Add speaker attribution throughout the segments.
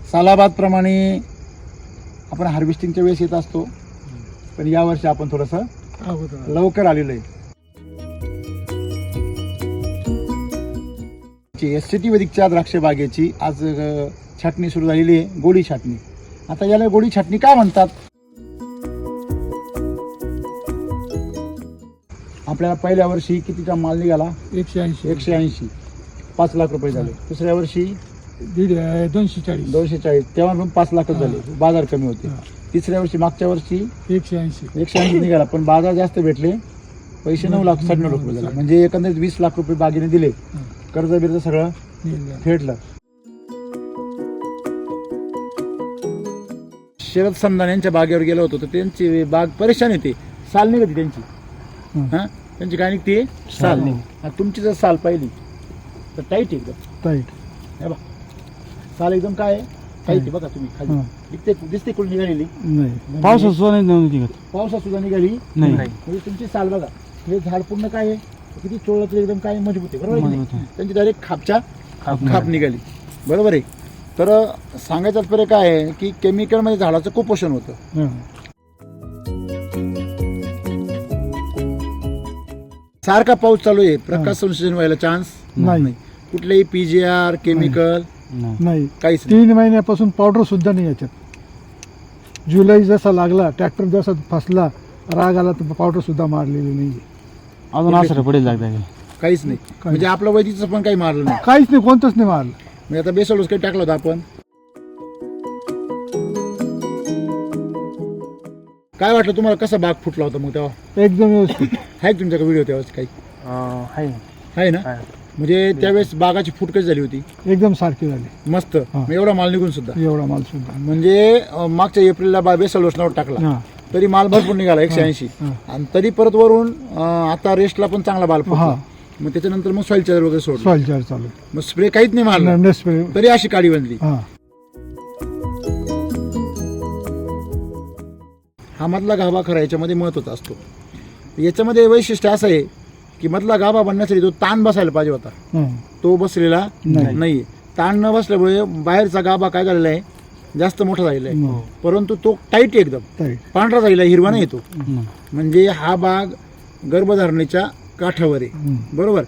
Speaker 1: सालाबाद प्रमाणे आपण हार्वेस्टिंगच्या वेळेस येत असतो, पण यावर्षी आपण थोडंसं लवकर आलेलो आहे. SCT वैदिकच्या द्राक्ष बागेची आज छाटणी सुरू झालेली आहे, गोडी छाटणी. आता याला गोडी छाटणी काय म्हणतात? आपल्याला पहिल्या वर्षी कितीचा माल निघाला? 180 5 लाख रुपये झाले. दुसऱ्या वर्षी 240 तेव्हा पण 5 लाखच झाले, बाजार कमी होते. तिसऱ्या वर्षी मागच्या वर्षी 180 निघाला, पण बाजार जास्त भेटले, पैसे 9 लाख 9.5 लाख रुपये झाले. म्हणजे एकंदरीत 20 लाख रुपये बागेने दिले, कर्ज बिर्ज सगळं फेडलं. शरद समदान यांच्या बागेवर गेलो होतो तर त्यांची बाग परेशान येते, साल निघते त्यांची. हा, त्यांची काय निघते? साल. तुमची जर साल पाहिली तर टाईट एकदम टाईट. हे बघा साल एकदम काय टाईट आहे, बघा तुम्ही खाली दिसते कुठे निघालेली नाही, पावसात सुद्धा निघाली नाही. म्हणजे तुमची साल बघा, हे झाड पूर्ण काय आहे, किती चोळलं तर एकदम काय मजबूत आहे, बरोबर आहे. त्यांची डायरेक्ट खाप निघाली, बरोबर आहे. तर सांगायचं तात्पर्य काय आहे की केमिकलमध्ये झाडाचं कुपोषण होतं. सारखा पाऊस चालू आहे, प्रकाश संश्लेषण व्हायला चान्स नाही. कुठलेही PGR केमिकल नाही, काहीच
Speaker 2: 3 महिन्यापासून पावडर सुद्धा नाही याच्यात. जुलै जसा लागला, ट्रॅक्टर जसा फसला, राग आला तर पावडर सुद्धा मारलेली नाही.
Speaker 3: अजून असं पडेल लागतं
Speaker 1: काहीच नाही. म्हणजे आपलं वैदिकचं पण काही मारलं नाही,
Speaker 2: काहीच नाही, कोणतंच नाही मारलं.
Speaker 1: म्हणजे आता बेसल काही टाकलं होतं आपण. काय वाटलं तुम्हाला, कसा बाग फुटला होता मग तेव्हा?
Speaker 2: एकदम व्यवस्थित
Speaker 1: आहे तुमच्याकडे व्हिडिओ त्यावेळेस काही? आहे ना. म्हणजे त्यावेळेस बागाची फूट कशी झाली होती?
Speaker 2: एकदम सारखी झाली,
Speaker 1: मस्त. एवढा माल निघून सुद्धा,
Speaker 2: एवढा माल सुद्धा.
Speaker 1: म्हणजे मागच्या एप्रिलला बेसल लोसनावर टाकला तरी माल भरपूर निघाला 180, आणि तरी परत वरून आता रेस्टला पण चांगला माल फुटला. मग त्याच्यानंतर मग सॉइल चार्जर वगैरे सोडलं,
Speaker 2: सॉइल चार्जर चालू,
Speaker 1: मग स्प्रे काहीच नाही मारला, तरी अशी काळी बनली. हा मधला गाभा खरा याच्यामध्ये महत्वाचा असतो. याच्यामध्ये वैशिष्ट्य असं आहे की मधला गाभा बनण्यासाठी तो ताण बसायला पाहिजे होता, तो बसलेला नाही. ताण न बसल्यामुळे बाहेरचा गाभा काय झालेला आहे, जास्त मोठा झालेला आहे, परंतु तो टाईट एकदम पांढरा झालेला, हिरवा नाही येतो. म्हणजे हा बाग गर्भधारणेच्या काठावर आहे, बरोबर.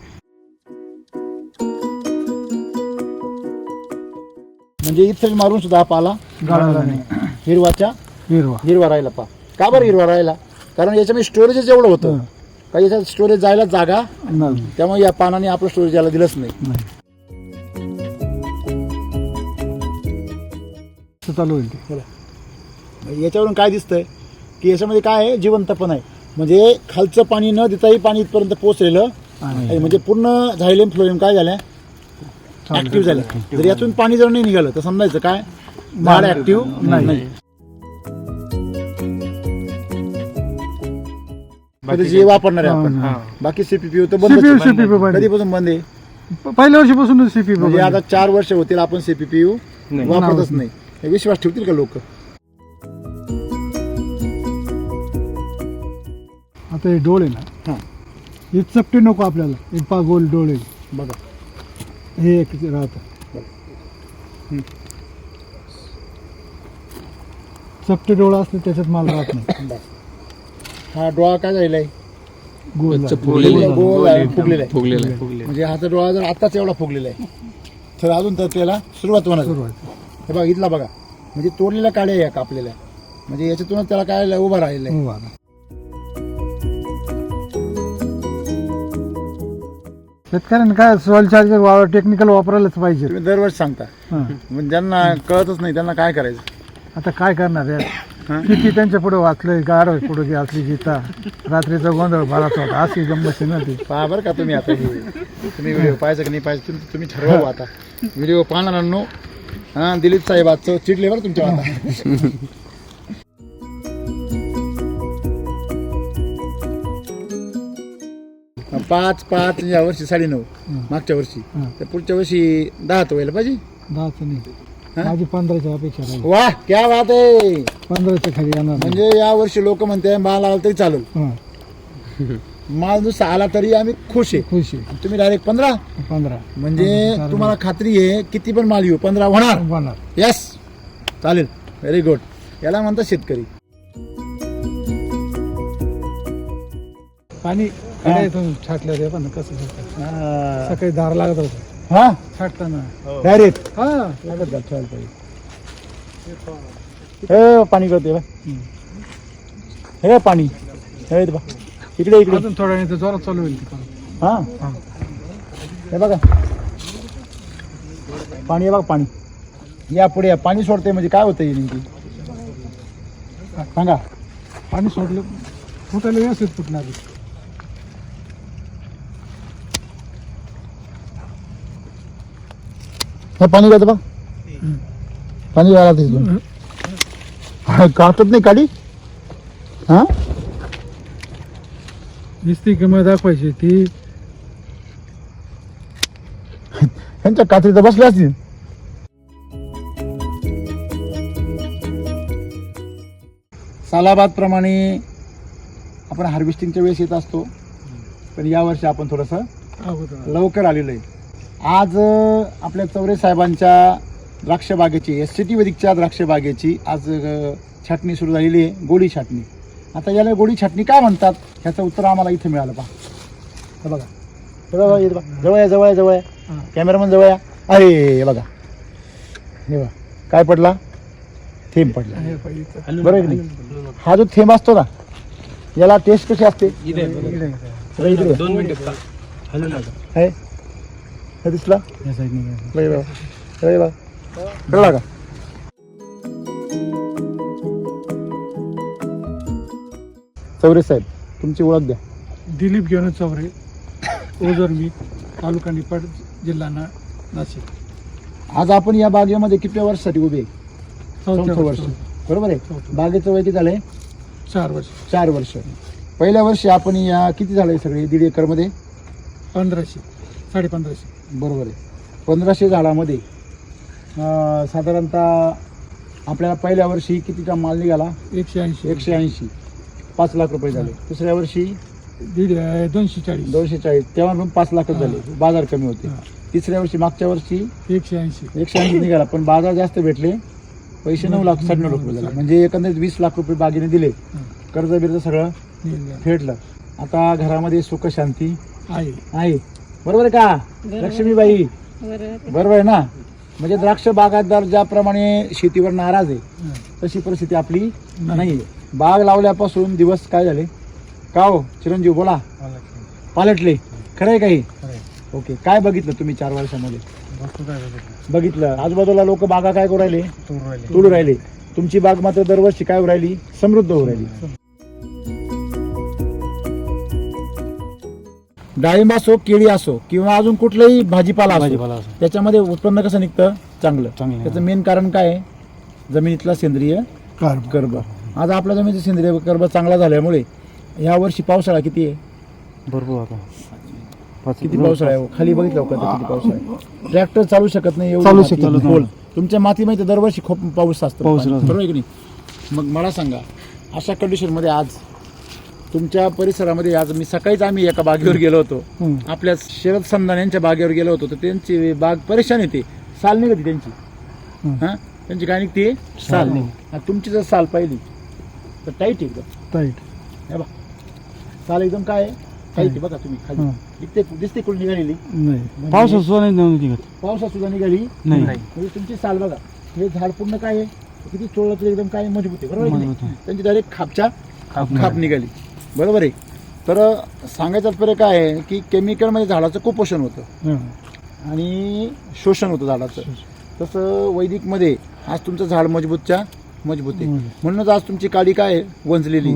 Speaker 1: म्हणजे इथे मारून सुद्धा पाला गाळाला नाही, हिरवा राहिला. पा का बरं हिरवा राहिला? कारण याच्यामध्ये स्टोरेजच एवढं होतं का याच्यात स्टोरेज जायला जागा, त्यामुळे या पानाने आपलं स्टोरेज यायला दिलंच नाही.
Speaker 2: चालू होईल.
Speaker 1: याच्यावरून काय दिसतंय की याच्यामध्ये काय आहे, जिवंतपण आहे. म्हणजे खालचं पाणी न देताही पाणी इथपर्यंत पोहोचलेलं आहे. म्हणजे पूर्ण झायलेम फ्लोएम काय झाल्या, ऍक्टिव्ह झाल्या. जर यातून पाणी जर नाही निघालं तर समजायचं काय, झाड ऍक्टिव्ह नाही. जे वापरणार आहे आपण, बाकी CPPU तर बंद. कधीपासून बंद आहे?
Speaker 2: पहिल्या वर्षीपासून CPPU.
Speaker 1: म्हणजे आता 4 वर्ष होतील आपण CPPU वापरतच नाही. विश्वास ठेवतील का लोक?
Speaker 2: आता हे डोळे ना, हे चपटे नको आपल्याला, एक पा गोल डोळे
Speaker 1: बघा,
Speaker 2: हे एक राहत. चपटे डोळा असते त्याच्यात माल राहत नाही.
Speaker 1: हा डोळा काय झालेला आहे,
Speaker 2: गोल
Speaker 1: फुगलेला आहे. म्हणजे हा डोळा जर आताच एवढा फुगलेला आहे तर अजून तर त्याला सुरुवात होणार. हे बघा इथला बघा, म्हणजे तोडलेल्या काड्या या कापलेल्या, म्हणजे याच्यातूनच त्याला काय उभा राहिलेला आहे.
Speaker 2: शेतकऱ्यांना काय सॉइल चार्जर टेक्निकल वापरायलाच पाहिजे.
Speaker 1: तुम्ही दरवर्षी सांगता, म्हणजे ज्यांना कळतच नाही त्यांना काय करायचं.
Speaker 2: आता काय करणार आहे, किती त्यांच्या पुढे वाचलंय, गाड पुढे असली गीता, रात्रीचा गोंधळ भराचा होता, अशी गंमत ना ती.
Speaker 1: पहा बरं का तुम्ही, आता तुम्ही व्हिडिओ पाहायचं की नाही पाहायचं तुम्ही ठरवा. आता व्हिडिओ पाहणाऱ्यांनो, दिलीप साहेब आजचं चिडले बरं तुमच्या आता. 5 या वर्षी 9.5, मागच्या वर्षी. तर पुढच्या वर्षी 10 तर व्हायला पाहिजे.
Speaker 2: 10 नाही, माझी 15च्या अपेक्षा राहील.
Speaker 1: वा क्या बात आहे,
Speaker 2: 15च्या खाली येणार.
Speaker 1: म्हणजे या वर्षी लोक म्हणते माल आला तरी चालेल, माल नुसता आला तरी आम्ही खुश आहे. तुम्ही डायरेक्ट 15 म्हणजे तुम्हाला खात्री आहे किती पण माल येऊ 15 होणार. यस, चालेल, व्हेरी गुड. याला म्हणतात शेतकरी.
Speaker 2: पाणी
Speaker 1: हा.
Speaker 2: छाटलं रे पण कसं छाटलं.
Speaker 1: हा.
Speaker 2: सकाळी दार लागत होतं
Speaker 1: हा
Speaker 2: छाटताना
Speaker 1: डायरेक्ट
Speaker 2: हा
Speaker 1: लागत घाल, ठेवायला पाहिजे. हे पाणी करते बा, हे पाणी, हे बा इकडे इकडे.
Speaker 2: अजून थोड्या वेळ जोरात चालू होईल ती.
Speaker 1: हा
Speaker 2: हा.
Speaker 1: हे बघा पाणी, हे बघा पाणी. या पुढे या. पाणी सोडते म्हणजे काय होतं हे नेमकी सांगा.
Speaker 2: पाणी सोडलं फुटायला व्यवस्थित फुटणार.
Speaker 1: हे पाणी घ्यायचं बा, पाणी घ्यायला तिथून काढतात नाही काढी. हा
Speaker 2: नुसती किंमत दाखवायची ती.
Speaker 1: ह्यांच्या कात्री तर बसल्या असतील. सालाबाद प्रमाणे आपण हार्वेस्टिंगच्या वेळेस येत असतो, पण यावर्षी आपण थोडंसं लवकर आलेलो आहे. आज आपल्या चौरे साहेबांच्या द्राक्ष बागेची, SCT वैदिकच्या द्राक्ष बागेची आज छाटणी सुरू झालेली आहे, गोडी छाटणी. आता याला गोडी छाटणी काय म्हणतात ह्याचं उत्तर आम्हाला इथे मिळालं. पहा हे बघा, हे बघा, हे बघा, जवळ आहे, जवळ आहे, जवळ आहे. कॅमेरामन जवळ आहे. अरे हे बघा, हे बघा काय पडला, थेंब पडला. बरोबर आहे की नाही. हा जो थेंब असतो ना, याला टेस्ट कशी असते. इकडे आहे. हे दिसला
Speaker 3: या साईडने
Speaker 1: कळला का. चौरे साहेब तुमची ओळख द्या.
Speaker 2: दिलीप घेऊन चौरे, ओझर मी, तालुका निपाड, जिल्हा नाशिक.
Speaker 1: आज आपण या बागेमध्ये किती वर्षासाठी उभे. चौथं वर्ष बरोबर आहे.
Speaker 2: चौथं.
Speaker 1: बागेचं वय किती झालंय.
Speaker 2: 4 वर्ष.
Speaker 1: 4 वर्ष. पहिल्या वर्षी आपण या किती झालंय सगळे 1.5 एकरमध्ये
Speaker 2: 1500 1550.
Speaker 1: बरोबर आहे. 1500 झाडामध्ये साधारणतः आपल्याला पहिल्या वर्षी कितीचा माल निघाला. 180 5 लाख रुपये झाले. दुसऱ्या वर्षी
Speaker 2: 240
Speaker 1: 240, तेव्हा पण 5 लाखच झाले. बाजार कमी होते. तिसऱ्या वर्षी मागच्या वर्षी 180 निघाला, पण बाजार जास्त भेटले. पैसे 9 लाख 9.5 रुपये झाले. म्हणजे एकंदरीत 20 लाख रुपये बागेने दिले. कर्ज बिर्ज सगळं फेडलं. आता घरामध्ये सुख शांती आहे. बरोबर आहे का लक्ष्मीबाई. बरोबर आहे ना. म्हणजे द्राक्ष बागायतदार ज्याप्रमाणे शेतीवर नाराज आहे तशी परिस्थिती आपली नाही आहे. बाग लावल्यापासून दिवस काय झाले का हो चिरंजीव बोला. पालटले. खरं आहे काही. ओके. काय बघितलं तुम्ही 4 वर्षामध्ये. बघितलं आजूबाजूला लोक बागा काय करू राहिले, तोडू राहिले. तुमची बाग मात्र दरवर्षी काय होऊ राहिली, समृद्ध होऊ राहिली. डाळिंब असो, केळी असो किंवा अजून कुठलाही भाजीपाला असो, त्याच्यामध्ये उत्पन्न कसं निघतं चांगलं. त्याचं मेन कारण काय आहे, जमिनीतला सेंद्रिय कर्ब. आज आपल्या जमिनीचा सेंद्रिय कर्ब चांगला झाल्यामुळे या वर्षी पावसाळा किती आहे,
Speaker 3: भरपूर आता.
Speaker 1: किती पावसाळा आहे. खाली बघितलं का किती पावसाळा आहे. ट्रॅक्टर चालू शकत नाही एवढं
Speaker 2: चालू
Speaker 1: माती
Speaker 2: शकत नाही.
Speaker 1: खोल. तुमच्या मातीमध्ये दरवर्षी खूप पाऊस असतो.
Speaker 3: पाऊस असतो.
Speaker 1: बरोबर आहे की नाही. मग मला सांगा अशा कंडिशनमध्ये आज तुमच्या परिसरामध्ये, आज मी सकाळीच आम्ही एका बागेवर गेलो होतो, आपल्या शरद संधान यांच्या बागेवर गेलो होतो, तर त्यांची बाग परेशान येते. साल निघते त्यांची. हा त्यांची काय निघते, साल. तुमची जर साल पाहिली तर टाईट एकदम
Speaker 2: टाईट.
Speaker 1: हे बघा साल एकदम काय टाईट. बघा तुम्ही खाली दिसते कुठे निघालेली
Speaker 2: नाही.
Speaker 3: पावसात सुद्धा नाही निघत.
Speaker 1: पावसात सुद्धा निघाली
Speaker 3: नाही.
Speaker 1: म्हणजे तुमची साल बघा. हे झाड पूर्ण काय आहे, किती चोळलं तरी एकदम काय मजबूत आहे. बरोबर आहे की नाही? त्यांची डायरेक्ट खाप निघाली. बरोबर आहे. तर सांगायचं तात्पर्य काय आहे की केमिकलमध्ये झाडाचं कुपोषण होतं आणि शोषण होतं झाडाचं. तसं वैदिकमध्ये आज तुमचं झाड मजबूत आहे. म्हणूनच आज तुमची काडी काय आहे, वंजलेली.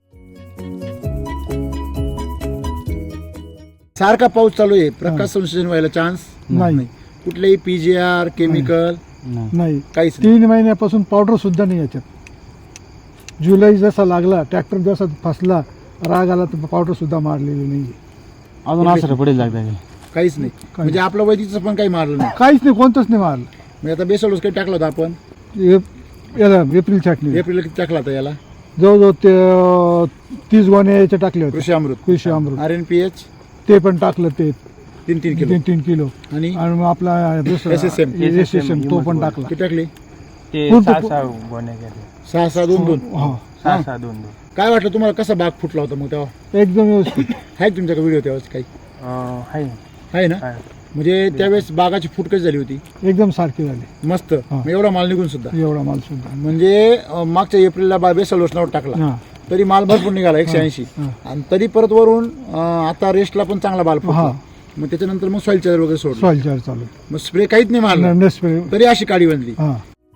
Speaker 1: सारखा पाऊस चालू आहे, प्रकाश संश्लेषण व्हायला चान्स
Speaker 2: नाही.
Speaker 1: कुठलेही PGR केमिकल
Speaker 2: नाही.
Speaker 1: काहीच
Speaker 2: 3 महिन्यापासून पावडर सुद्धा नाही याच्यात. जुलै जसा लागला, ट्रॅक्टर जसा फसला, राग आला, तर पावडर सुद्धा मारलेली नाही.
Speaker 3: अजून असं पडेल लागतं.
Speaker 1: काहीच नाही. म्हणजे आपलं वैदिकचं पण काही मारलं नाही.
Speaker 2: काहीच नाही, कोणतंच नाही मारलं.
Speaker 1: म्हणजे आता बेसोडोस काही टाकलं होतं आपण
Speaker 2: याला एप्रिल छाटणी.
Speaker 1: एप्रिल किती टाकला होता याला,
Speaker 2: जवळजवळ ते 30 गोणे याचे टाकले होते.
Speaker 1: कृषी अमृत RNPH
Speaker 2: ते पण टाकलं. ते
Speaker 1: 3 किलो
Speaker 2: 3 किलो.
Speaker 1: आणि
Speaker 2: आणि मग आपला दुसरा
Speaker 1: SSM
Speaker 2: तो पण टाकला.
Speaker 1: किती टाकले,
Speaker 4: ते
Speaker 2: पूर्ण-
Speaker 4: 6-6 गोण्या गेले.
Speaker 1: 6-6 2-2.
Speaker 2: हा
Speaker 4: 6-6 2-2.
Speaker 1: काय वाटलं तुम्हाला, कसा बाग फुटला होता मग तेव्हा?
Speaker 2: एकदम व्यवस्थित.
Speaker 1: आहे तुमच्याकडे व्हिडिओ तेव्हाच काही
Speaker 4: आहे.
Speaker 1: आहे ना?
Speaker 4: आहे.
Speaker 1: म्हणजे त्यावेळेस बागाची फूट कशी झाली होती?
Speaker 2: एकदम सारखी झाली.
Speaker 1: मस्त.
Speaker 2: हा.
Speaker 1: मग एवढा माल निघून सुद्धा
Speaker 2: एवढा माल सुद्धा.
Speaker 1: म्हणजे मागच्या एप्रिलला बेसल लोशनावर टाकला
Speaker 2: हा
Speaker 1: तरी माल भरपूर निघाला 180.
Speaker 2: हा.
Speaker 1: आणि तरी परत वरून आता रेस्टला पण चांगला माल फुटला.
Speaker 2: हा.
Speaker 1: मग त्याच्यानंतर मग सॉइल चार्जर वगैरे सोडलं.
Speaker 2: सॉइल चार्ज चालू.
Speaker 1: मग स्प्रे काहीच नाही मारला
Speaker 2: नेसप्रे.
Speaker 1: तरी अशी काळी बनली.
Speaker 2: हा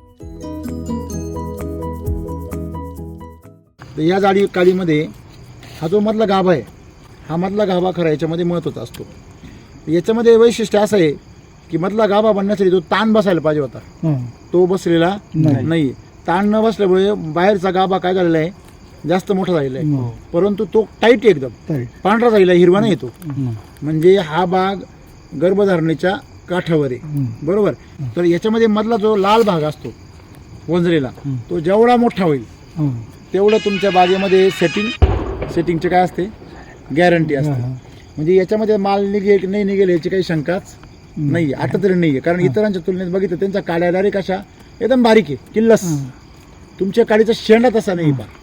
Speaker 1: तर या काळीमध्ये हा जो मधला गाभा आहे, हा मधला गाभा खरा याच्यामध्ये महत्त्वाचा असतो. याच्यामध्ये वैशिष्ट्य असं आहे की मधला गाभा बनण्यासाठी जो ताण बसायला पाहिजे होता
Speaker 2: हा.
Speaker 1: तो बसलेला
Speaker 2: नाही.
Speaker 1: नाही. ताण न बसल्यामुळे बाहेरचा गाभा काय झालेला आहे, जास्त मोठा झालेला आहे.
Speaker 2: हो.
Speaker 1: परंतु तो टाईट आहे एकदम,
Speaker 2: ताईट.
Speaker 1: पांढरा झालेला आहे, हिरवा नाही येतो.
Speaker 3: हम्म.
Speaker 1: म्हणजे हा बाग गर्भधारणेच्या काठावर आहे.
Speaker 2: हम्म.
Speaker 1: बरोबर. तर याच्यामध्ये मधला जो लाल भाग असतो वंजलेला,
Speaker 3: हम्म.
Speaker 1: तो जेवढा मोठा होईल
Speaker 2: हा.
Speaker 1: तेवढं तुमच्या बागेमध्ये सेटिंगचे काय असते, गॅरंटी असते.
Speaker 2: हा.
Speaker 1: म्हणजे याच्यामध्ये माल निघेल नाही निघेल याची काही शंकाच नाही, आता तरी नाही आहे. कारण इतरांच्या तुलनेत बघितलं त्यांच्या काड्या डायरेक्ट अशा एकदम बारीक आहे, किल्लस.
Speaker 2: हा.
Speaker 1: तुमच्या काडीचा शेंडा तसा नाही पा.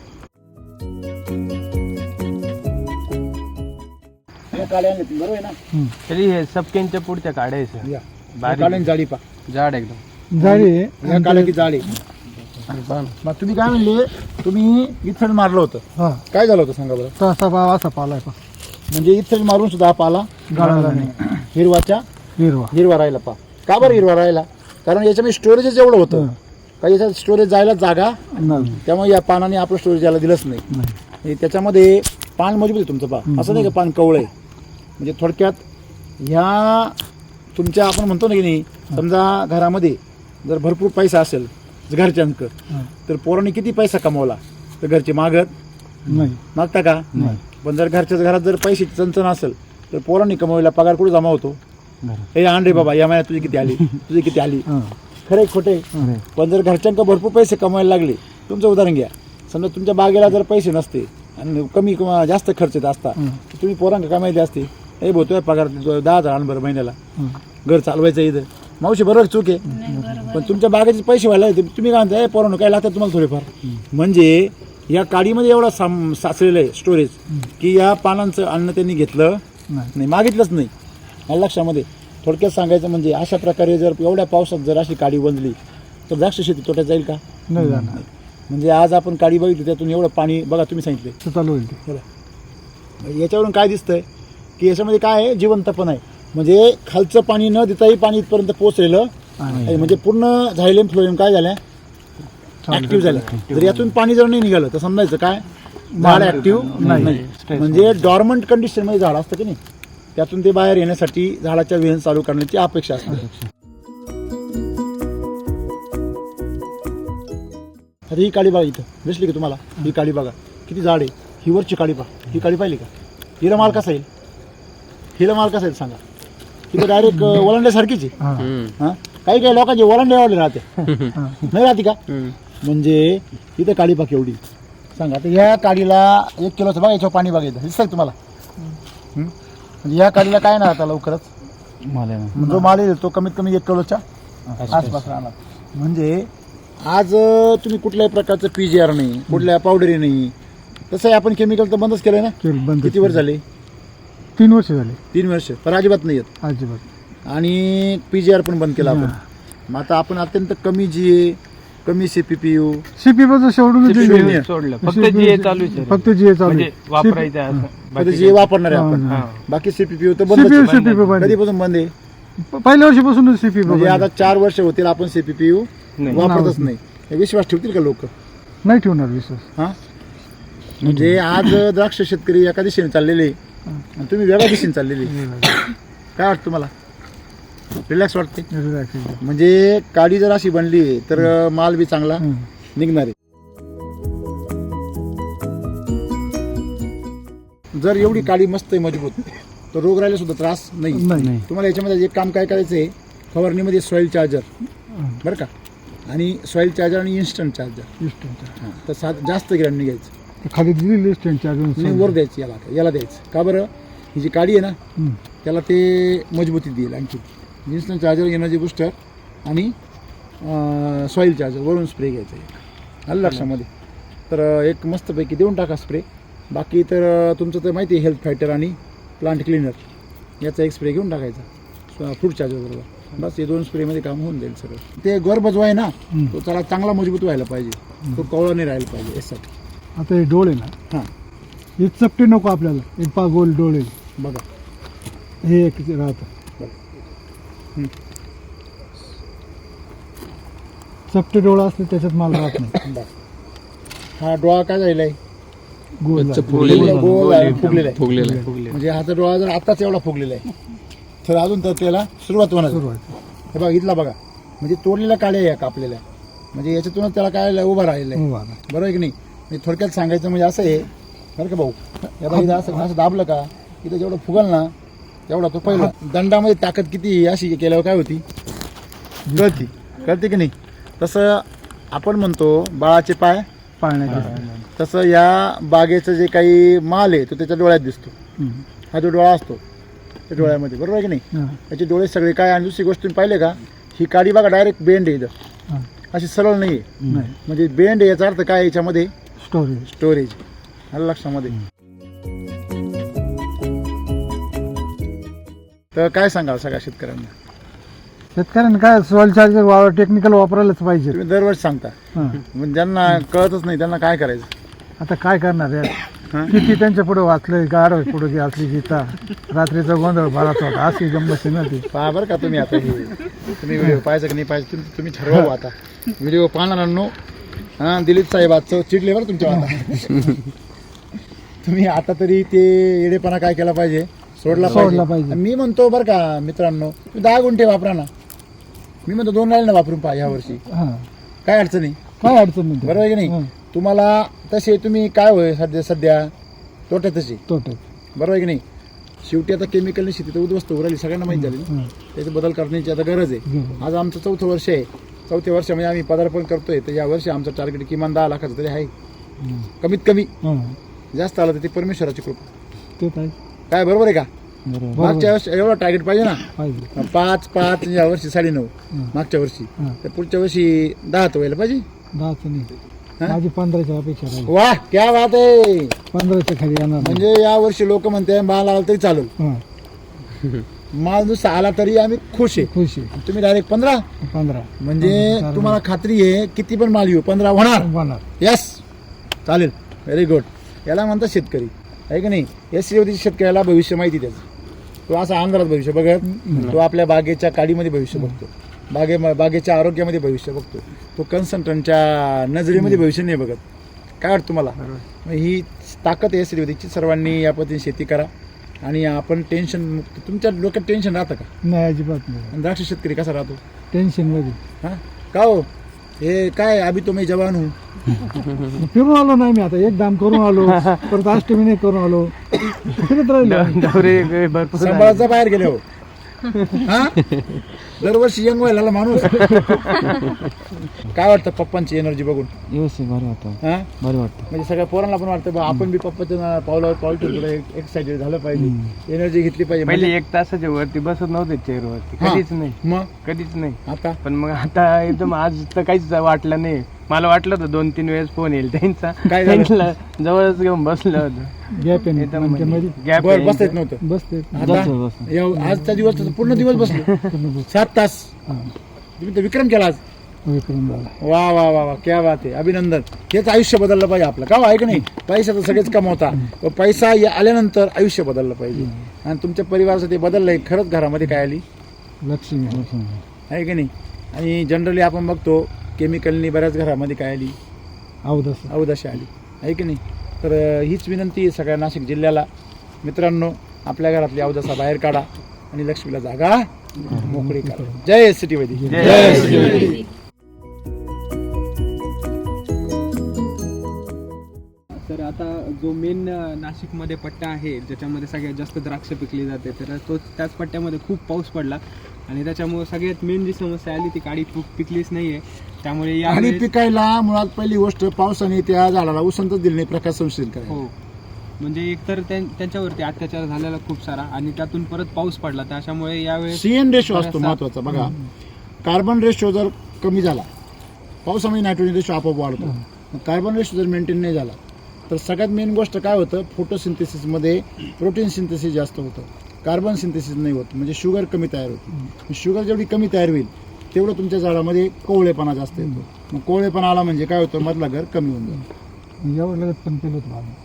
Speaker 1: या काड्या आणल्या तुम्ही, बरोबर आहे ना?
Speaker 2: हम्म.
Speaker 4: तरी हे सबकेनच्या पुढच्या काड्या आहे सर.
Speaker 1: या. या
Speaker 4: बारीक.
Speaker 1: काड्यांची जाडी पा.
Speaker 4: जाड एकदम.
Speaker 2: जाडी आहे.
Speaker 1: या काड्याची जाडी. मग तुम्ही काय म्हणले, तुम्ही इथं मारलं होतं,
Speaker 2: हा
Speaker 1: काय झालं होतं सांगा बरं?
Speaker 2: तसा भाव असा पालाय पा.
Speaker 1: म्हणजे इथं मारून सुद्धा हा पाला
Speaker 2: गाळाला नाही.
Speaker 1: हिरवा राहिला पा. का बरं हिरवा राहिला? कारण याच्यामध्ये स्टोरेजच एवढं होतं का याच्यात स्टोरेज जायला जागा,
Speaker 2: नाही.
Speaker 1: त्यामुळे या पानाने आपलं स्टोरेज यायला दिलंच नाही.
Speaker 2: नाही.
Speaker 1: म्हणजे त्याच्यामध्ये पान मजबूत आहे तुमचं पा, असं नाही का पान कवळं आहे. म्हणजे थोडक्यात ह्या तुमच्या आपण म्हणतो ना की नाही, समजा घरामध्ये जर भरपूर पैसा असेल घरच्यांक,
Speaker 2: हा.
Speaker 1: तर पोरांनी किती पैसा कमवला तर घरचे
Speaker 2: नाही.
Speaker 1: मागता का?
Speaker 2: नाही.
Speaker 1: पण जर घरच्याच घरात जर पैशाची चणचण असेल तर पोरांनी कमवलेला पगार कुठे जमा होतो? हे आण रे बाबा, या महिन्यात तुझी किती आली, तुझी किती आली.
Speaker 2: हा.
Speaker 1: खरे खोटे? पण जर घरच्यांका भरपूर पैसे कमवायला लागले, तुमचं उदाहरण घ्या, समजा तुमच्या बागेला जर पैसे नसते आणि कमी किंवा जास्त खर्च येत असता, तर तुम्ही पोरांका काय माहिती असते, हे बोलतोय पगार 10,000 आण बरं महिन्याला, घर चालवायचं इथं. मावशी बरोबर चूक आहे, पण तुमच्या बागेचे पैसे व्हायला तुम्ही काय म्हणताय, पोरांनो काय लागतात तुम्हाला थोडेफार. म्हणजे या काडीमध्ये एवढा साचलेलं आहे स्टोरेज की या पानांचं अन्न त्यांनी घेतलं नाही, मागितलंच नाही. मला लक्षामध्ये थोडक्यात सांगायचं म्हणजे अशा प्रकारे जर एवढ्या पावसात जर अशी काडी बनली तर द्राक्ष शेती तोट्यात जाईल का?
Speaker 2: नाही जाणार.
Speaker 1: म्हणजे आज आपण काडी बघितली त्यातून एवढं पाणी बघा, तुम्ही सांगितले
Speaker 2: ते चालू होईल ते.
Speaker 1: बघा. याच्यावरून काय दिसतंय की याच्यामध्ये काय आहे, जिवंतपण आहे. म्हणजे खालचं पाणी न देताही पाणी इथपर्यंत पोहोचलेलं आहे. म्हणजे पूर्ण झायलेम फ्लोएम काय झाल्या, ऍक्टिव्ह झाल्या. जर यातून पाणी जर नाही निघालं तर समजायचं काय, झाड ऍक्टिव्ह नाही. म्हणजे डॉर्मंट कंडिशन मध्ये झाड असतं की नाही, त्यातून ते बाहेर येण्यासाठी झाडाच्या वेन चालू करण्याची अपेक्षा असते. आता ही काळी बागा इथं दिसली की तुम्हाला, ही काळी बागा किती झाड आहे, ही वरची काळी बाग, ही काळी पाहिली का? हिला माल कसा येईल, हिला माल कसा येईल सांगा? तिथं डायरेक्ट ओलांड्यासारखीच आहे.
Speaker 2: हा.
Speaker 1: हा, काही काही लोकांचे ओलांडे आवडले राहते, नाही राहते का? म्हणजे इथं काळी बाग एवढी सांगा. आता ह्या काडीला 1 किलोचं बघा, याच्यावर पाणी बघायचं दिसतंय तुम्हाला. म्हणजे ह्या काडीला काय ना आता लवकरच
Speaker 3: माल आहे ना.
Speaker 1: जो माल येईल तो कमीत कमी 1 किलोच्या आसपास राहणार. म्हणजे आज तुम्ही कुठल्याही प्रकारचं PGR नाही, कुठल्या पावडरी नाही, तसंही आपण केमिकल तर बंदच केलंय ना.
Speaker 2: केलं बंद.
Speaker 1: किती वर्ष झाले?
Speaker 2: 3 वर्ष झाले
Speaker 1: 3 वर्ष. पण अजिबात नाही येत.
Speaker 2: अजिबात.
Speaker 1: आणि PGR पण बंद केला आपण. मग आता आपण अत्यंत कमी GA, कमी CPPU,
Speaker 2: सीपी बद्दल सोडून
Speaker 4: सोडलं फक्त GA चालू आहे सर.
Speaker 2: फक्त जीए चालू
Speaker 4: म्हणजे वापरायचं असं.
Speaker 1: आता
Speaker 4: बाकी
Speaker 1: GA वापरणार आहे आपण.
Speaker 4: हा.
Speaker 1: बाकी CPPU तर बंद.
Speaker 2: सीपी बंद.
Speaker 1: कधीपासून बंद आहे?
Speaker 2: पहिल्या वर्षीपासून सीपी
Speaker 1: म्हणजे आता 4 वर्ष होतील आपण CPPU
Speaker 4: नाही.
Speaker 1: वापरतच नाही. हे विश्वास ठेवतील का लोक?
Speaker 2: नाही ठेवणार विश्वास.
Speaker 1: हा. म्हणजे आज द्राक्ष शेतकरी एका दिशेने चाललेले आणि तुम्ही वेगळ्या दिशेने चाललेले. काय वाटतं तुम्हाला? रिलॅक्स वाटते? म्हणजे काडी जर अशी बनली तर माल बी चांगला निघणार आहे. जर एवढी काडी मस्त आहे, मजबूत, तर रोग राहिला सुद्धा त्रास नाही. तुम्हाला याच्यामध्ये एक काम काय करायचं आहे, फवारणीमध्ये सॉइल चार्जर बरं का, आणि सॉइल चार्जर आणि इन्स्टंट चार्जर. तर जास्त गिराण निघायचं,
Speaker 2: खाली दिलेली
Speaker 1: आणि वर द्यायची, याला द्यायचं. का बरं? ही जी काडी आहे ना त्याला ते मजबूती देईल. आणखी इन्स्टंट चार्जर, एनर्जी बुस्टर आणि सॉईल चार्जर वरून स्प्रे घ्यायचा एक, आलं लक्षामध्ये. तर एक मस्तपैकी देऊन टाका स्प्रे. बाकी तर तुमचं तर माहिती आहे हेल्थ फायटर आणि प्लांट क्लिनर याचा एक स्प्रे घेऊन टाकायचा फूड चार्जर बरोबर. बस हे 2 स्प्रेमध्ये काम होऊन जाईल सगळं. ते गर्भ जो आहे ना तो त्याला चांगला मजबूत व्हायला पाहिजे, तो कवळा नाही राहायला पाहिजे यासाठी.
Speaker 2: आता हे डोळे ना
Speaker 1: हां
Speaker 2: हे चपटे नको आपल्याला, एक पा गोल डोळे
Speaker 1: बघा
Speaker 2: हे एक राहतं. चपटे डोळा असले त्याच्यात माल राहत नाही.
Speaker 1: बस हा डोळा काय झालेला आहे
Speaker 2: गोल
Speaker 1: गोल फुगलेला आहे. म्हणजे हाचा डोळा जर आताच एवढा फुगलेला आहे तर अजून तर त्याला सुरुवात होणार.
Speaker 2: सुरुवात.
Speaker 1: हे बघा इथला बघा म्हणजे तोडलेल्या काड्या या कापलेल्या, म्हणजे याच्यातूनच त्याला काय उभा राहिलेला आहे. बरोबर आहे की नाही. म्हणजे थोडक्यात सांगायचं म्हणजे असं आहे बरं का भाऊ, या बघा इथं असं दाबलं का इथं जेवढं फुगल ना तेवढा तो पहिला. दंडामध्ये ताकद किती अशी केल्यावर काय होती कळते की नाही. तसं आपण म्हणतो बाळाचे पाय
Speaker 2: पाळण्याचे.
Speaker 1: तसं या बागेचं जे काही माल आहे तो त्याच्या डोळ्यात दिसतो. हा जो डोळा असतो त्या डोळ्यामध्ये, बरोबर आहे की नाही. त्याचे डोळे सगळे काय. आणि दुसरी गोष्ट तुम्ही पाहिले का ही काडी बघा डायरेक्ट बेंड आहे इथं, अशी सरळ नाही आहे. म्हणजे बेंड आहे याचा अर्थ काय याच्यामध्ये स्टोरेज आलं लक्षामध्ये. तर काय सांगाल सगळ्या शेतकऱ्यांना.
Speaker 2: शेतकऱ्यांना काय सॉइल चार्जर टेक्निकल वापरायलाच पाहिजे.
Speaker 1: तुम्ही दरवर्षी सांगता, म्हणजे ज्यांना कळतच नाही त्यांना काय करायचं.
Speaker 2: आता काय करणार आहे, किती त्यांच्या पुढे वाचलंय गाड पुढे असली गीता रात्रीचा गोंधळ भरात होता अशी गंमत आहे ना ती.
Speaker 1: पहा बरं का तुम्ही आता तुम्ही व्हिडिओ पाहायचं की नाही पाहिजे तुम्ही ठरवा भाऊ. आता व्हिडिओ पाहणाऱ्यांनो हां दिलीप साहेब आजचं चिडले बरं तुमच्या आता. तुम्ही आता तरी ते येडेपणा काय केला पाहिजे सोडला पाहिजे. मी म्हणतो बरं का मित्रांनो तुम्ही 10 गुंठे वापरा ना, मी म्हणतो 2 राहिले ना वापरून पहा ह्या वर्षी, काय अडचण नाही.
Speaker 2: काय अडचण नाही.
Speaker 1: बरोबर आहे की नाही. तुम्हाला तसे तुम्ही काय होय सध्या तोट्यातच
Speaker 2: तोटे.
Speaker 1: बरोबर आहे की नाही. शेवटी आता केमिकलने शेती तर उद्ध्वस्त होऊ राहिली सगळ्यांना माहिती झाली ना. त्याचे बदल करण्याची आता गरज आहे. आज आमचं 4थं वर्ष आहे. 4थ्या वर्षामध्ये आम्ही पदार्पण करतोय, तर या वर्षी आमचं टार्गेट किमान 10 लाखाचं तरी आहे कमीत कमी. जास्त आलं तर ते परमेश्वराची कृपा काय, बरोबर आहे का. मागच्या वर्षी एवढा टार्गेट पाहिजे ना, 5 या वर्षी 9.5 मागच्या वर्षी, तर पुढच्या वर्षी 10 तर व्हायला पाहिजे.
Speaker 2: 10 माझी 15च्या अपेक्षा राहील.
Speaker 1: वाह क्या बात आहे.
Speaker 2: 15च्या खाली येणार
Speaker 1: म्हणजे या वर्षी लोक म्हणते माल आला तरी चालेल, माल नुसता आला तरी आम्ही खुश आहे. तुम्ही डायरेक्ट 15 म्हणजे तुम्हाला खात्री आहे किती पण माल येऊ 15 होणार. यस चालेल, व्हेरी गुड. याला म्हणतात शेतकरी आहे की नाही. एससी शेतकऱ्याला भविष्य माहिती त्याचं. तो असा अंधारात भविष्य बघत, तो आपल्या बागेच्या काडीमध्ये भविष्य बघतो, बागेच्या आरोग्यामध्ये भविष्य बघतो. तो कन्सल्टंटच्या नजरेमध्ये भविष्य नाही बघत. काय वाटतं तुम्हाला. ही ताकद आहे एससी सर्वांनी या पद्धतीने शेती करा आणि आपण टेन्शन मुक्त. तुमच्या डोक्यात टेन्शन राहतं का.
Speaker 2: नाही अजिबात नाही.
Speaker 1: आणि द्राक्ष शेतकरी कसा राहतो
Speaker 2: टेन्शन मध्ये.
Speaker 1: हां का हो हे काय अभि तो मी जवान हूँ.
Speaker 2: फिरून आलो नाही मी आता, एक दाम करून आलो परत अष्टमी नाही करून आलो, फिरत राहिलो.
Speaker 4: भरपूर
Speaker 1: सांभाळाचा बाहेर गेले हो. हा दरवर्षी यंग व्हायला माणूस. काय वाटतं पप्पांची एनर्जी बघून.
Speaker 3: व्यवस्थित भारी वाटतं.
Speaker 1: हा
Speaker 3: भारी वाटतं.
Speaker 1: म्हणजे सगळ्या पोरांना पण वाटतं बा आपण बी पप्पाच्या पावलावर पाऊल ठेवतो, एक्साइटेड झालं पाहिजे, एनर्जी घेतली पाहिजे.
Speaker 4: पहिले 1 तासाच्या वरती बसत नव्हते चेअरवरती, कधीच नाही.
Speaker 1: मग
Speaker 4: कधीच नाही.
Speaker 1: आता
Speaker 4: पण मग आता एकदम आज तर काहीच वाटलं नाही. मला वाटलं होतं 2-3 वेळेस फोन येईल त्यांचा,
Speaker 1: काय झालं?
Speaker 4: त्यांना जवळच घेऊन बसलं होतं.
Speaker 2: गॅप आहे
Speaker 4: गॅप
Speaker 1: बर बसता येत नव्हतं.
Speaker 2: बसते.
Speaker 1: आता आजचा दिवस पूर्ण दिवस बसलो 7 तास. तुम्ही तर विक्रम केला आज. वा वा वा वा क्या बात आहे. अभिनंदन. हेच आयुष्य बदललं पाहिजे आपलं का आहे की नाही. पैसा तर सगळेच कमवता, पैसा आल्यानंतर आयुष्य बदललं पाहिजे. आणि तुमच्या परिवाराचं ते बदललंय. खरंच घरामध्ये काय आली
Speaker 2: लक्ष्मी
Speaker 1: आहे की नाही. आणि जनरली आपण बघतो केमिकलनी बऱ्याच घरामध्ये काय आली अवदशी आली आहे की नाही. तर हीच विनंती आहे सगळ्या नाशिक जिल्ह्याला. मित्रांनो आपल्या घरातली अवदसा बाहेर काढा आणि लक्ष्मीला जागा मोकळी करा. जय सिटी वैदिक.
Speaker 5: तर आता जो मेन नाशिकमध्ये पट्टा आहे ज्याच्यामध्ये सगळ्यात जास्त द्राक्ष पिकली जाते, तर त्याच पट्ट्यामध्ये खूप पाऊस पडला आणि त्याच्यामुळे सगळ्यात मेन जी समस्या आली ती काडी पिकलीच नाहीये. त्यामुळे
Speaker 1: आणि पिकायला मुळात पहिली गोष्ट पावसाने त्या झाडाला उसंतच दिली नाही प्रकाश संशोधन करायला.
Speaker 5: हो, म्हणजे एकतर त्यांच्यावरती अत्याचार झालेला खूप सारा आणि त्यातून परत पाऊस पडला, त्याच्यामुळे यावेळेस
Speaker 1: सीएन रेशो असतो महत्वाचा. बघा कार्बन रेशो जर कमी झाला, पावसामुळे नायट्रोजन रेशो आपोआप वाढतो. मग कार्बन रेशो जर मेंटेन नाही झाला तर सगळ्यात मेन गोष्ट काय होतं, फोटोसिंथेसिसमध्ये प्रोटीन सिंथेसिस जास्त होतं, कार्बन सिंथेसिस नाही होत, म्हणजे शुगर कमी तयार होते. शुगर जेवढी कमी तयार होईल तेवढं तुमच्या झाडामध्ये कोवळेपणा जास्त येतो. मग कोवळेपणा आला म्हणजे काय होतं, मधला घर कमी होऊन जातं.
Speaker 2: एवढं लगत पण केलं होतं माझं,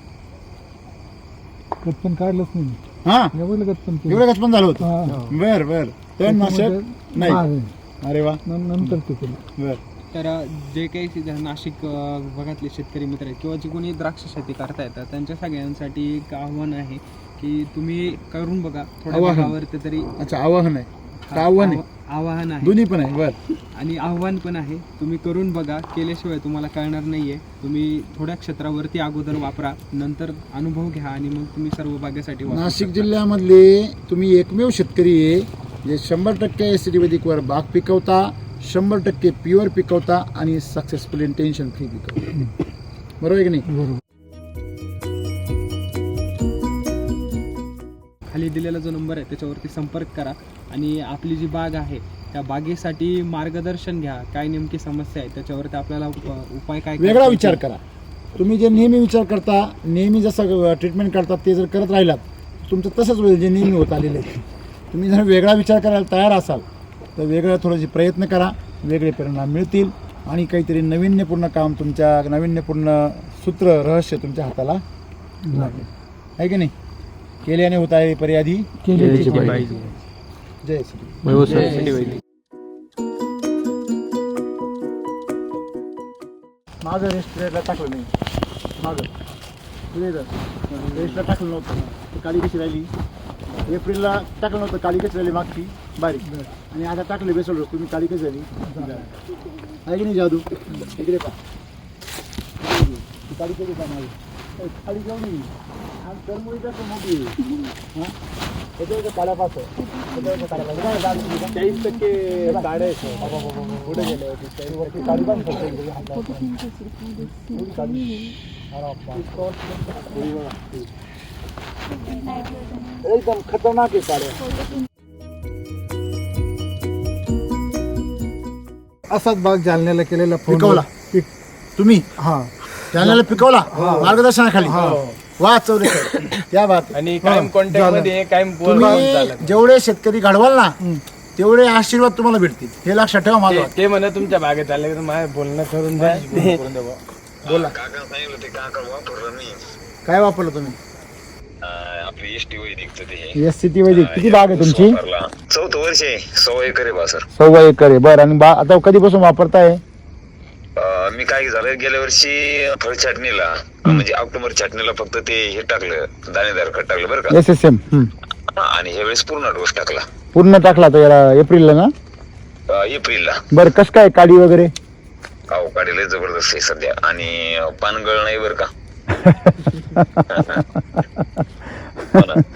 Speaker 2: खत पण काढलंच नाही,
Speaker 1: हां
Speaker 2: एवढं लगत पण केलं.
Speaker 1: एवढं पण झालं होतं.
Speaker 2: हा.
Speaker 1: बर तणनाशक नाही.
Speaker 2: हा.
Speaker 1: अरे वा,
Speaker 2: नंतर ते केलं.
Speaker 1: बर.
Speaker 5: तर जे काही नाशिक भागातले शेतकरी मित्र आहेत किंवा जे कोणी द्राक्ष शेती करतायत तर त्यांच्या सगळ्यांसाठी एक आव्हान आहे की तुम्ही करून बघा थोड्या
Speaker 1: आवाहन.
Speaker 5: भागावरती तरी.
Speaker 1: अच्छा, आवाहन आहे का आव्हान आहे?
Speaker 5: आव्हान आहे
Speaker 1: दोन्ही पण आहे. बर.
Speaker 5: आणि आव्हान पण आहे. तुम्ही करून बघा, केल्याशिवाय तुम्हाला कळणार नाहीये. तुम्ही थोड्या क्षेत्रावरती अगोदर वापरा, नंतर अनुभव घ्या आणि मग तुम्ही सर्व बागेसाठी वापरू
Speaker 1: नाशिक
Speaker 5: शकता.
Speaker 1: जिल्ह्यामधले तुम्ही एकमेव शेतकरी आहे जे 100% एसिडी वैदिकवर बाग पिकवता, 100% प्युअर पिकवता आणि सक्सेसफुली टेन्शन फ्री पिकवता. बरोबर आहे की नाही?
Speaker 2: बरोबर.
Speaker 5: खाली दिलेला जो नंबर आहे त्याच्यावरती संपर्क करा आणि आपली जी बाग आहे त्या बागेसाठी मार्गदर्शन घ्या. काय नेमकी समस्या आहे त्याच्यावरती आपल्याला उपाय काय
Speaker 1: वेगळा
Speaker 5: करता
Speaker 1: विचार
Speaker 5: येतील.
Speaker 1: करा. तुम्ही जे नेहमी विचार करता, नेहमी जसं ट्रीटमेंट करतात ते जर करत राहिलात तुमचं तसंच होईल जे नेहमी होत आलेलं आहे. तुम्ही जर वेगळा विचार करायला तयार असाल तर वेगळं थोडेसे प्रयत्न करा, वेगळे परिणाम मिळतील आणि काहीतरी नाविन्यपूर्ण काम, तुमच्या नाविन्यपूर्ण सूत्र रहस्य तुमच्या हाताला लागेल. आहे की नाही? केल्याने होत आहे पर्यादी
Speaker 2: केल्याची
Speaker 3: पाहिजे.
Speaker 1: जय श्री. माझं रेस्टॉरंटला टाकलं नाही, माझं रेस्टला टाकलं नव्हतं, ती काळी कशी राहिली. एप्रिलला टाकलं नव्हतं, काळी कशी राहिली मागची बारीक, आणि आता टाकले बेसल तुम्ही, काळी कशी झाली. आहे की नाही जादू? इकडे पहा, ती काळी कधी का माझी काळी जाऊ नये आणि तरमुळी कसं मोठी हां त्याच्या काड्यापासून त्याच्या काड्यापासून 40% काड्या पुढे गेले होते वरती काळी पण एकदम खतरनाक आहे काड्या.
Speaker 2: असाच बाग जालन्याला केलेला फोन
Speaker 1: पिकवला तुम्ही,
Speaker 2: हा
Speaker 1: जालन्याला पिकवला मार्गदर्शनाखाली. वा चौरे त्या बात.
Speaker 4: आणि कायम कॉन्टॅक्ट मध्ये कायम
Speaker 1: तुम्ही जेवढे शेतकरी घडवाल ना तेवढे आशीर्वाद तुम्हाला भेटतील, हे लक्षात ठेवा. माझं
Speaker 4: ते म्हणा तुमच्या बागेत आले तर माझं बोलणं करून द्या.
Speaker 1: बोला,
Speaker 6: काका सांगितलं ते काका वापरलं मी
Speaker 1: काय वापरलं तुम्ही?
Speaker 6: आपली एसटी वैदिकचं ते हे
Speaker 1: एस सी वैदिक. किती बाग आहे तुमची?
Speaker 6: वापरला 4थं वर्ष आहे, 100 एकर आहे बा सर.
Speaker 1: 100 एकर आहे. बरं, आणि आता कधीपासून वापरताय?
Speaker 6: मी काय झालं गेल्या वर्षी फळ छाटणीला म्हणजे ऑक्टोबर छाटणीला फक्त ते हे टाकलं, दाणेदार खत टाकलं बरं का.
Speaker 1: SSM
Speaker 6: आणि ह्यावेळेस पूर्ण डोस टाकला
Speaker 1: पूर्ण टाकला तर याला एप्रिलला ना.
Speaker 6: एप्रिलला.
Speaker 1: बरं, कसं काय काडी वगैरे?
Speaker 6: अहो काढले जबरदस्त आहे सध्या आणि पानगळ नाही बरं का. हो ना.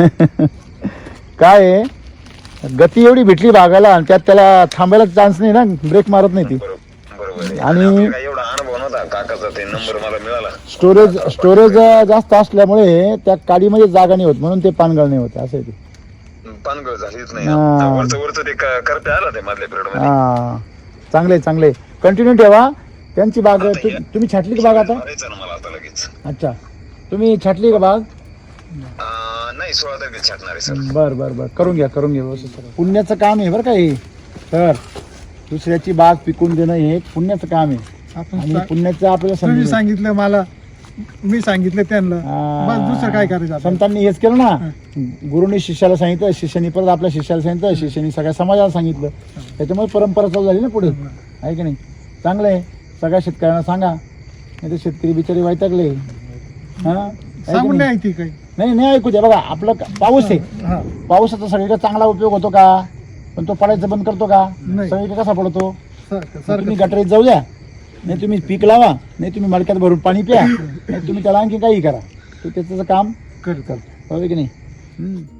Speaker 1: काय आहे, गती एवढी भेटली बागाला आणि त्यात त्याला थांबायला चान्स नाही ना, ब्रेक मारत नाही ती.
Speaker 6: बरोबर आहे.
Speaker 1: आणि
Speaker 6: आपल्याला काय एवढा अनुभव नव्हता, काकाचा ते नंबर मला मिळाला.
Speaker 1: स्टोरेज जास्त असल्यामुळे त्या काडीमध्ये जागा नाही होत, म्हणून ते पानगळ नाही होते. असं आहे ते.
Speaker 6: पानगळ झालीच नाही.
Speaker 1: हा.
Speaker 6: वरचं ते करते आला ते मधल्या पिरियड मध्ये.
Speaker 1: हा, चांगले कंटिन्यू ठेवा. त्यांची बाग तुम्ही छाटली का बाग आता?
Speaker 6: मारायचं ना मला आता लगेच.
Speaker 1: अच्छा, तुम्ही छाटली का बाग?
Speaker 6: नाही 16 तारखेला छाटणार आहे सर.
Speaker 1: बर करून घ्या व्यवस्थित करा. पुण्याचं काम आहे बरं का हे. तर दुसऱ्याची बाग पिकून देणं हे एक पुण्याचं काम आहे
Speaker 2: आपण
Speaker 1: आणि पुण्याचं आपल्याला
Speaker 2: तुम्ही
Speaker 1: समजून
Speaker 2: सांगितलं मला, मी सांगितलं त्यांना, बस दुसरं काय करायचं आपण?
Speaker 1: संतांनी हेच केलं ना. गुरुनी शिष्याला सांगितलं, शिष्यानी परत आपल्या शिष्याला सांगितलं, शिष्यानी सगळ्या समाजाला सांगितलं. त्याच्यामुळे परंपरा चालू झाली ना पुढे. आहे की नाही? चांगलं आहे. सगळ्या शेतकऱ्यांना सांगा, नाही तर शेतकरी बिचारी वैतागले. हा,
Speaker 2: सांगून नाही ऐकते काही.
Speaker 1: नाही ऐकू द्या. बघा, आपलं पाऊस आहे,
Speaker 2: हा,
Speaker 1: पावसाचा सगळीकडे चांगला उपयोग होतो का? पण तो पडायचं बंद करतो का?
Speaker 2: नाही.
Speaker 1: सगळीकडे कसा पडतो?
Speaker 2: सर
Speaker 1: तुम्ही गटरीत जाऊ द्या, नाही तुम्ही पीक लावा, नाही तुम्ही मडक्यात भरून पाणी प्या, नाही तुम्ही त्याला आणखी काही करा, तो त्याचं काम
Speaker 2: करतात.
Speaker 1: बरोबर की नाही?